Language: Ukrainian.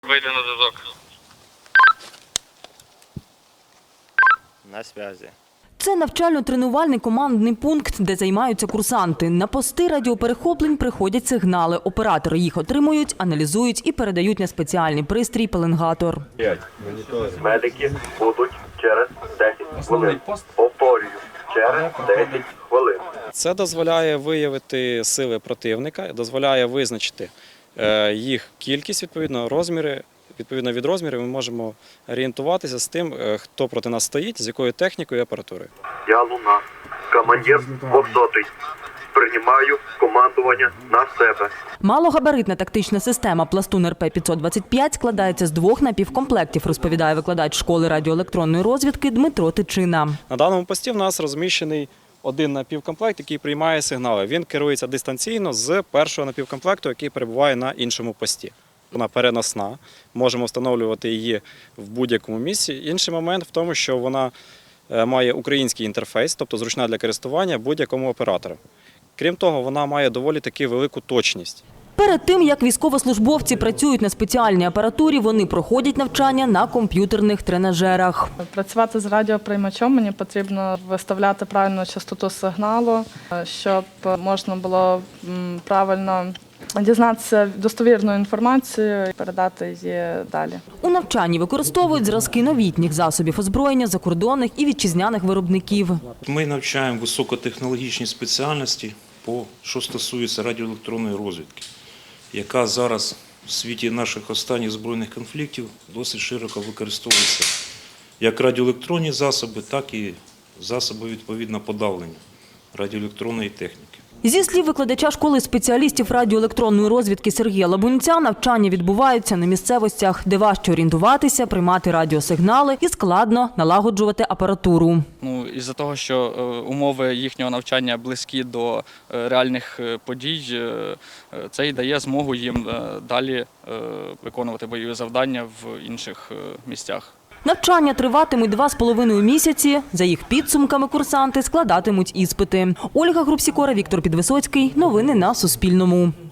Вийди на зв'язок. На зв'язі. Це навчально-тренувальний командний пункт, де займаються курсанти. На пости радіоперехоплень приходять сигнали. Оператори їх отримують, аналізують і передають на спеціальний пристрій пеленгатор. Медики будуть через 10 хвилин. Повторюю, через 10 хвилин. Це дозволяє виявити сили противника, дозволяє визначити їх кількість, розміри. Відповідно від розмірів ми можемо орієнтуватися з тим, хто проти нас стоїть, з якою технікою і апаратурою. Я Луна, командир 200-й. Приймаю командування на себе. Малогабаритна тактична система «Пластун РП-525» складається з 2 напівкомплектів, розповідає викладач школи радіоелектронної розвідки Дмитро Тичина. На даному пості в нас розміщений один напівкомплект, який приймає сигнали. Він керується дистанційно з першого напівкомплекту, який перебуває на іншому пості. Вона переносна, можемо встановлювати її в будь-якому місці. Інший момент в тому, що вона має український інтерфейс, тобто зручна для користування будь-якому оператору. Крім того, вона має доволі таки велику точність. Перед тим, як військовослужбовці працюють на спеціальній апаратурі, вони проходять навчання на комп'ютерних тренажерах. Працювати з радіоприймачом мені потрібно виставляти правильну частоту сигналу, щоб можна було правильно дізнатися достовірну інформацію і передати її далі. У навчанні використовують зразки новітніх засобів озброєння закордонних і вітчизняних виробників. Ми навчаємо високотехнологічні спеціальності, що стосується радіоелектронної розвідки, яка зараз в світі наших останніх збройних конфліктів досить широко використовується як радіоелектронні засоби, так і засоби відповідно подавлення радіоелектронної техніки. Зі слів викладача школи спеціалістів радіоелектронної розвідки Сергія Лабунця, навчання відбуваються на місцевостях, де важче орієнтуватися, приймати радіосигнали і складно налагоджувати апаратуру. Із-за того, що умови їхнього навчання близькі до реальних подій, це і дає змогу їм далі виконувати бойові завдання в інших місцях. Навчання триватимуть 2,5 місяці. За їх підсумками курсанти складатимуть іспити. Ольга Грубсікора, Віктор Підвисоцький. Новини на Суспільному.